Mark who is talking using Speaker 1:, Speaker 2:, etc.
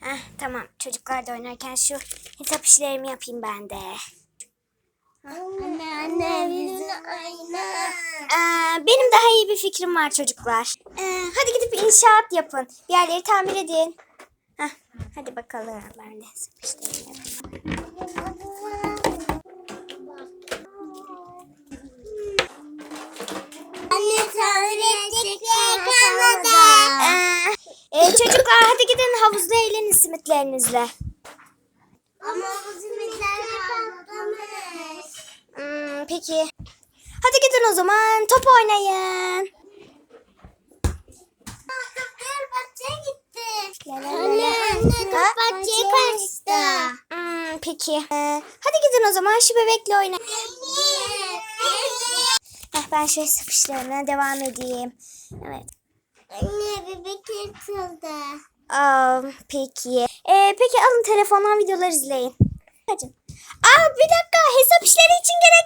Speaker 1: Tamam, çocuklar da oynarken şu hesap işlerimi yapayım ben de.
Speaker 2: Anne bizim aynı.
Speaker 1: Benim daha iyi bir fikrim var çocuklar. Hadi gidip inşaat yapın. Bir yerleri tamir edin. Hadi bakalım. Ben de hesap işlerimi yapayım.
Speaker 2: Anne tamir edecek yer kalmadı.
Speaker 1: Çocuklar hadi gidin havuzda eğlenin simitlerinizle.
Speaker 2: Ama bu simitler patlamış.
Speaker 1: Peki. Hadi gidin o zaman top oynayın.
Speaker 2: Dur bahçeye gitti.
Speaker 1: Anne,
Speaker 2: Dur bahçeye kaçtı.
Speaker 1: Peki. Hadi gidin o zaman şu bebekle oynayın. Ben şu hesap işlerine devam edeyim. Evet.
Speaker 2: Anne bebek yırtıldı.
Speaker 1: Peki. Peki alın telefondan videolar izleyin. Hadi. Bir dakika hesap işleri için